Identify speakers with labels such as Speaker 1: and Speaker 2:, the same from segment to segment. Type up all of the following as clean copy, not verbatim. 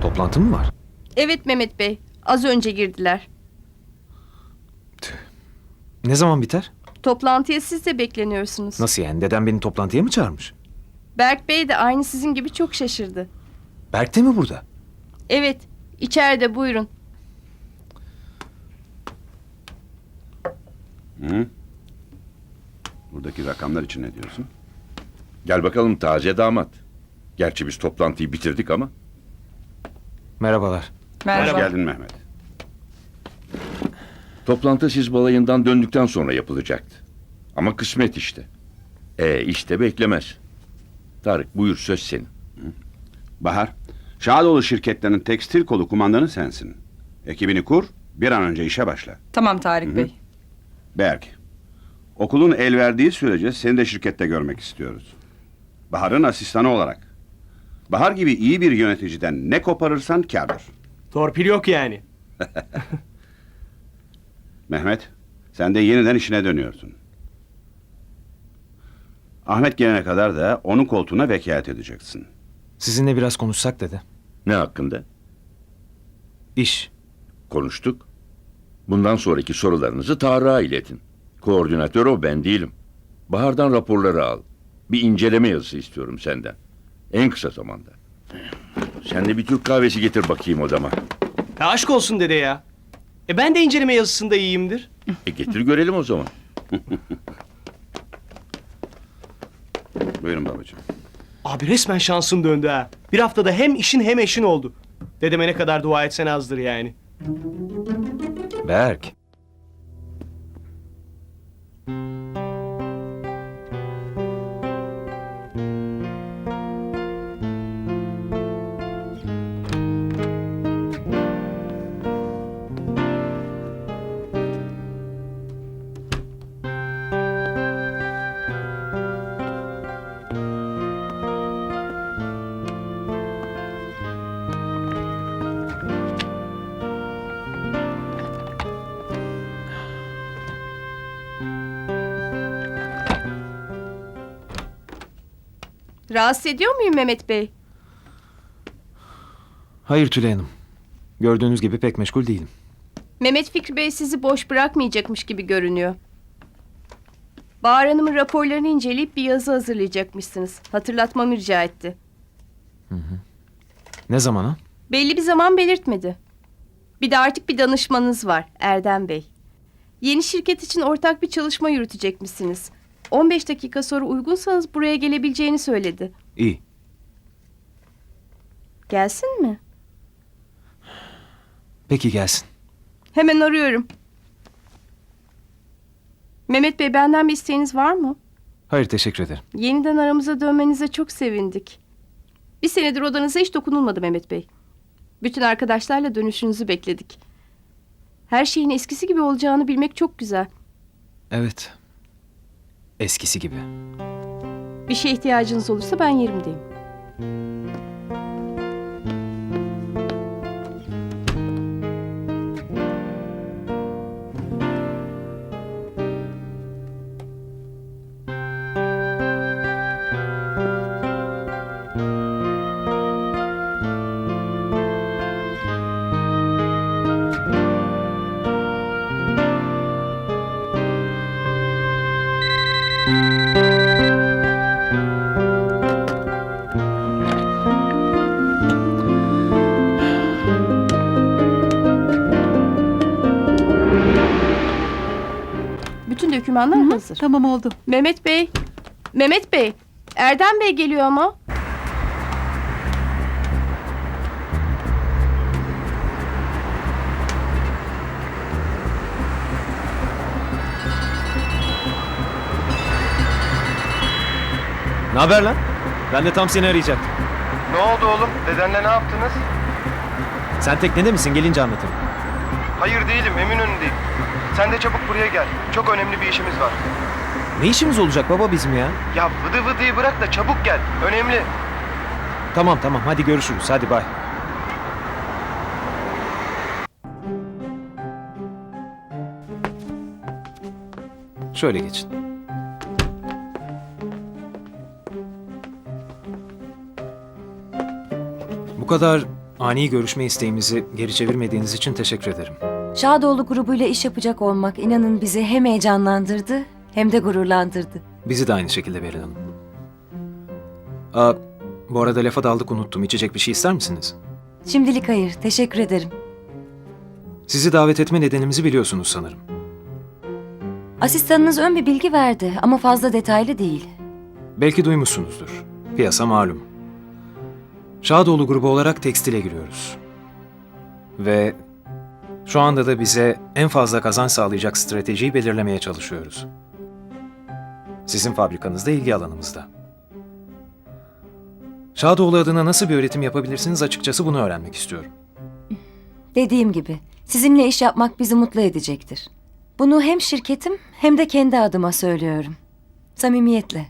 Speaker 1: Toplantı mı var?
Speaker 2: Evet Mehmet Bey. Az önce girdiler.
Speaker 1: Ne zaman biter?
Speaker 2: Toplantıya siz de bekleniyorsunuz.
Speaker 1: Nasıl yani? Dedem beni toplantıya mı çağırmış?
Speaker 2: Berk Bey de aynı sizin gibi çok şaşırdı.
Speaker 1: Berk de mi burada?
Speaker 2: Evet. içeride buyurun.
Speaker 3: Hı? Buradaki rakamlar için ne diyorsun?
Speaker 4: Gel bakalım taze damat. Gerçi biz toplantıyı bitirdik ama.
Speaker 1: Merhabalar.
Speaker 3: Hoş geldin Mehmet.
Speaker 4: Toplantı siz balayından döndükten sonra yapılacaktı. Ama kısmet işte. İşte beklemez. Tarık buyur söz senin.
Speaker 3: Bahar, Şadoğlu şirketlerinin tekstil kolu kumandanı sensin. Ekibini kur, bir an önce işe başla.
Speaker 5: Tamam Tarık Bey.
Speaker 3: Berk, okulun el verdiği sürece seni de şirkette görmek istiyoruz. Bahar'ın asistanı olarak. Bahar gibi iyi bir yöneticiden ne koparırsan kârdır.
Speaker 6: Torpil yok yani.
Speaker 3: Mehmet, sen de yeniden işine dönüyorsun. Ahmet gelene kadar da onun koltuğuna vekalet edeceksin.
Speaker 1: Sizinle biraz konuşsak dede.
Speaker 4: Ne hakkında?
Speaker 1: İş.
Speaker 4: Konuştuk. Bundan sonraki sorularınızı Tarık'a iletin. Koordinatör o, ben değilim. Bahar'dan raporları al. Bir inceleme yazısı istiyorum senden. En kısa zamanda. Sen de bir Türk kahvesi getir bakayım odama.
Speaker 6: Ya aşk olsun dede ya. Ben de inceleme yazısında iyiyimdir.
Speaker 4: Getir görelim o zaman.
Speaker 3: Buyurun babacığım.
Speaker 6: Abi resmen şansın döndü ha. Bir haftada hem işin hem eşin oldu. Dedeme ne kadar dua etsen azdır yani.
Speaker 1: Berk.
Speaker 2: Rahatsız ediyor muyum Mehmet Bey?
Speaker 1: Hayır Tülay Hanım. Gördüğünüz gibi pek meşgul değilim.
Speaker 2: Mehmet Fikri Bey sizi boş bırakmayacakmış gibi görünüyor. Bahar Hanım'ın raporlarını inceleyip bir yazı hazırlayacakmışsınız. Hatırlatmamı rica etti.
Speaker 1: Ne zamana?
Speaker 2: Belli bir zaman belirtmedi. Bir de artık bir danışmanınız var, Erdem Bey. Yeni şirket için ortak bir çalışma yürütecekmişsiniz. 15 dakika sonra uygunsanız buraya gelebileceğini söyledi.
Speaker 1: İyi.
Speaker 2: Gelsin mi?
Speaker 1: Peki gelsin.
Speaker 2: Hemen arıyorum. Mehmet Bey, benden bir isteğiniz var mı?
Speaker 1: Hayır teşekkür ederim.
Speaker 2: Yeniden aramıza dönmenize çok sevindik. Bir senedir odanıza hiç dokunulmadı Mehmet Bey. Bütün arkadaşlarla dönüşünüzü bekledik. Her şeyin eskisi gibi olacağını bilmek çok güzel.
Speaker 1: Evet. Eskisi gibi.
Speaker 2: Bir şeye ihtiyacınız olursa ben yerimdeyim. Bütün dokümanlar hazır.
Speaker 5: Tamam oldu.
Speaker 2: Mehmet Bey, Mehmet Bey, Erdem Bey geliyor ama.
Speaker 1: Ne haber lan? Ben de tam seni arayacaktım.
Speaker 7: Ne oldu oğlum? Dedenle ne yaptınız?
Speaker 1: Sen teknede misin? Gelince anlatırım.
Speaker 7: Hayır değilim, Eminönü'ndeyim. Sen de çabuk buraya gel. Çok önemli bir işimiz var.
Speaker 1: Ne işimiz olacak baba bizim ya?
Speaker 7: Ya vıdı vıdıyı bırak da çabuk gel. Önemli.
Speaker 1: Tamam tamam hadi görüşürüz. Hadi bay. Şöyle geçin. Bu kadar
Speaker 5: ani görüşme isteğimizi geri çevirmediğiniz için teşekkür ederim.
Speaker 8: Şadoğlu grubuyla iş yapacak olmak inanın bizi hem heyecanlandırdı hem de gururlandırdı.
Speaker 5: Bizi de aynı şekilde Beril Hanım. Bu arada lafa daldık unuttum. İçecek bir şey ister misiniz?
Speaker 8: Şimdilik hayır, teşekkür ederim.
Speaker 5: Sizi davet etme nedenimizi biliyorsunuz sanırım.
Speaker 8: Asistanınız ön bir bilgi verdi ama fazla detaylı değil.
Speaker 5: Belki duymuşsunuzdur. Piyasa malum. Şadoğlu grubu olarak tekstile giriyoruz. Ve şu anda da bize en fazla kazanç sağlayacak stratejiyi belirlemeye çalışıyoruz. Sizin fabrikanız da ilgi alanımızda. Şadoğlu adına nasıl bir üretim yapabilirsiniz açıkçası bunu öğrenmek istiyorum.
Speaker 8: Dediğim gibi sizinle iş yapmak bizi mutlu edecektir. Bunu hem şirketim hem de kendi adıma söylüyorum. Samimiyetle.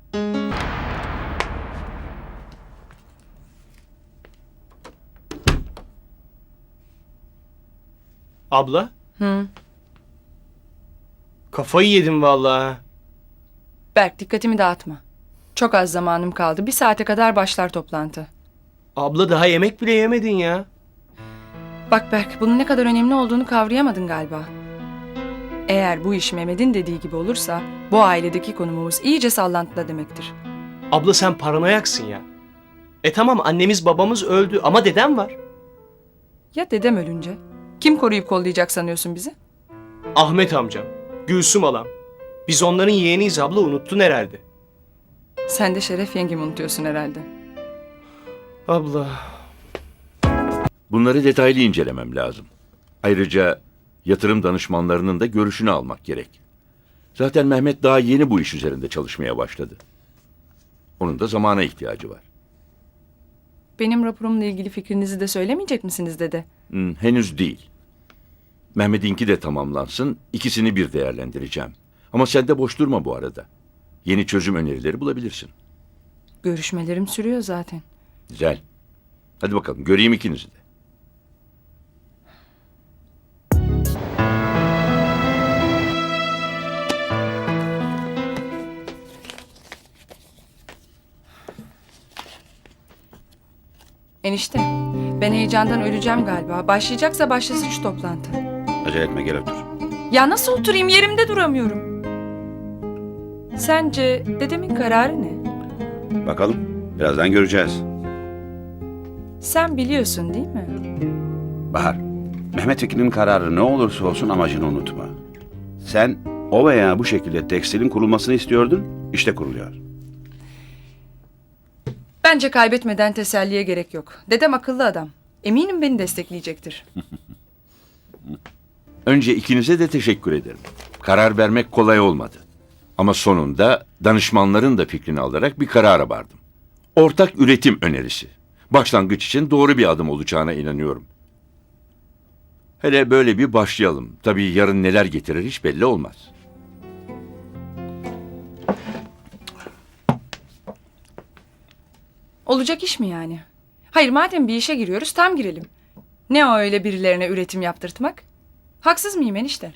Speaker 6: Abla,
Speaker 9: Hı.
Speaker 6: kafayı yedim vallahi.
Speaker 9: Berk dikkatimi dağıtma. Çok az zamanım kaldı. 1 saate kadar başlar toplantı.
Speaker 6: Abla daha yemek bile yemedin ya.
Speaker 9: Bak Berk, bunun ne kadar önemli olduğunu kavrayamadın galiba. Eğer bu iş Mehmet'in dediği gibi olursa bu ailedeki konumumuz iyice sallantıda demektir.
Speaker 6: Abla sen paranoyaksın ya. Tamam annemiz babamız öldü ama dedem var.
Speaker 9: Ya dedem ölünce? Kim koruyup kollayacak sanıyorsun bizi?
Speaker 6: Ahmet amcam, Gülsüm alam. Biz onların yeğeniyiz abla, unuttun herhalde.
Speaker 9: Sen de Şeref yengemi unutuyorsun herhalde.
Speaker 6: Abla.
Speaker 4: Bunları detaylı incelemem lazım. Ayrıca yatırım danışmanlarının da görüşünü almak gerek. Zaten Mehmet daha yeni bu iş üzerinde çalışmaya başladı. Onun da zamana ihtiyacı var.
Speaker 9: Benim raporumla ilgili fikrinizi de söylemeyecek misiniz dede?
Speaker 4: Henüz değil. Mehmet'inki de tamamlansın, ikisini bir değerlendireceğim. Ama sen de boş durma bu arada. Yeni çözüm önerileri bulabilirsin.
Speaker 9: Görüşmelerim sürüyor zaten.
Speaker 4: Güzel. Hadi bakalım göreyim ikinizi de.
Speaker 9: Enişte, ben heyecandan öleceğim galiba. Başlayacaksa başlasın şu toplantı.
Speaker 3: Acele etme, gel otur.
Speaker 9: Ya nasıl oturayım? Yerimde duramıyorum. Sence dedemin kararı ne?
Speaker 3: Bakalım, birazdan göreceğiz.
Speaker 9: Sen biliyorsun değil mi?
Speaker 3: Bahar, Mehmet Ekin'in kararı ne olursa olsun amacını unutma. Sen o veya bu şekilde tekstilin kurulmasını istiyordun, işte kuruluyor.
Speaker 9: Bence kaybetmeden teselliye gerek yok. Dedem akıllı adam. Eminim beni destekleyecektir.
Speaker 4: Önce ikinize de teşekkür ederim. Karar vermek kolay olmadı. Ama sonunda danışmanların da fikrini alarak bir karara vardım. Ortak üretim önerisi. Başlangıç için doğru bir adım olacağına inanıyorum. Hele böyle bir başlayalım. Tabii yarın neler getirir hiç belli olmaz.
Speaker 9: Olacak iş mi yani? Hayır madem bir işe giriyoruz tam girelim. Ne o öyle birilerine üretim yaptırtmak? Haksız mıyım enişte?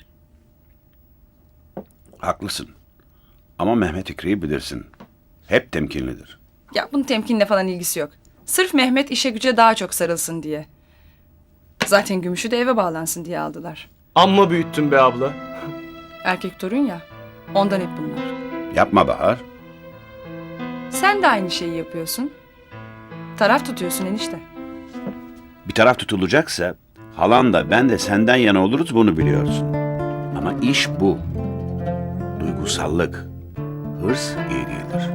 Speaker 3: Haklısın. Ama Mehmet İkri'yi bilirsin. Hep temkinlidir.
Speaker 9: Ya bunun temkinle falan ilgisi yok. Sırf Mehmet işe güce daha çok sarılsın diye. Zaten Gümüş'ü de eve bağlansın diye aldılar.
Speaker 6: Amma büyüttün be abla.
Speaker 9: Erkek torun ya. Ondan hep bunlar.
Speaker 3: Yapma Bahar.
Speaker 9: Sen de aynı şeyi yapıyorsun. Taraf tutuyorsun enişte.
Speaker 3: Bir taraf tutulacaksa halan da ben de senden yana oluruz, bunu biliyorsun. Ama iş bu. Duygusallık, hırs iyi değildir.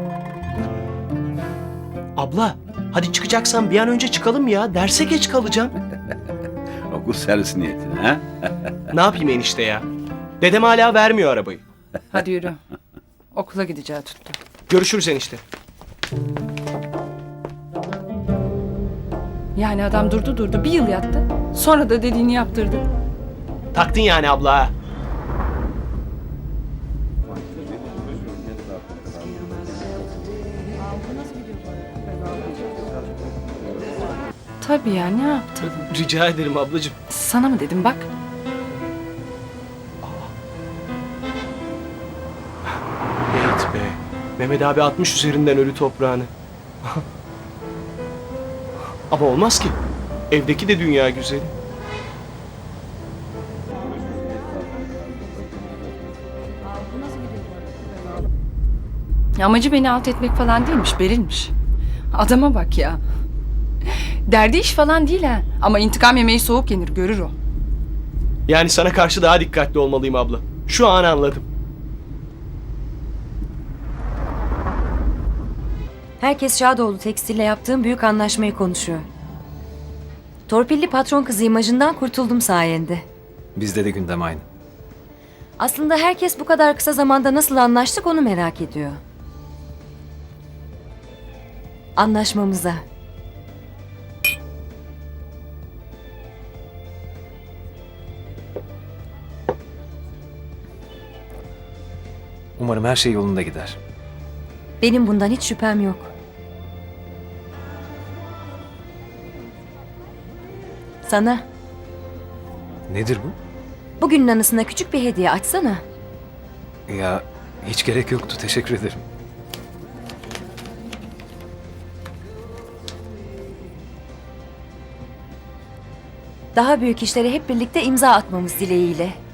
Speaker 6: Abla, hadi çıkacaksan bir an önce çıkalım ya. Derse geç kalacağım.
Speaker 3: Okul servisi niyetine ha?
Speaker 6: Ne yapayım enişte ya? Dedem hala vermiyor arabayı.
Speaker 9: Hadi yürü. Okula gideceği tuttu.
Speaker 6: Görüşürüz enişte.
Speaker 9: Yani adam durdu bir yıl yattı. Sonra da dediğini yaptırdı.
Speaker 6: Taktın yani abla ha.
Speaker 9: Tabii ya ne yaptın?
Speaker 6: Rica ederim ablacığım.
Speaker 9: Sana mı dedim bak.
Speaker 6: Evet be. Mehmet abi atmış üzerinden ölü toprağını. Ama olmaz ki. Evdeki de dünya güzeli.
Speaker 9: Amacı beni alt etmek falan değilmiş, Beril'miş. Adama bak ya. Derdi iş falan değil ha. Ama intikam yemeği soğuk yenir, görür o.
Speaker 6: Yani sana karşı daha dikkatli olmalıyım abla. Şu an anladım.
Speaker 8: Herkes Şadoğlu Tekstil'le yaptığım büyük anlaşmayı konuşuyor. Torpilli patron kızı imajından kurtuldum sayende.
Speaker 5: Bizde de gündem aynı.
Speaker 8: Aslında herkes bu kadar kısa zamanda nasıl anlaştık onu merak ediyor. Anlaşmamıza.
Speaker 5: Umarım her şey yolunda gider.
Speaker 8: Benim bundan hiç şüphem yok. Sana
Speaker 5: Nedir bu?
Speaker 8: bugünün anısına küçük bir hediye açsana.
Speaker 5: Ya hiç gerek yoktu. Teşekkür ederim.
Speaker 8: Daha büyük işlere hep birlikte imza atmamız dileğiyle.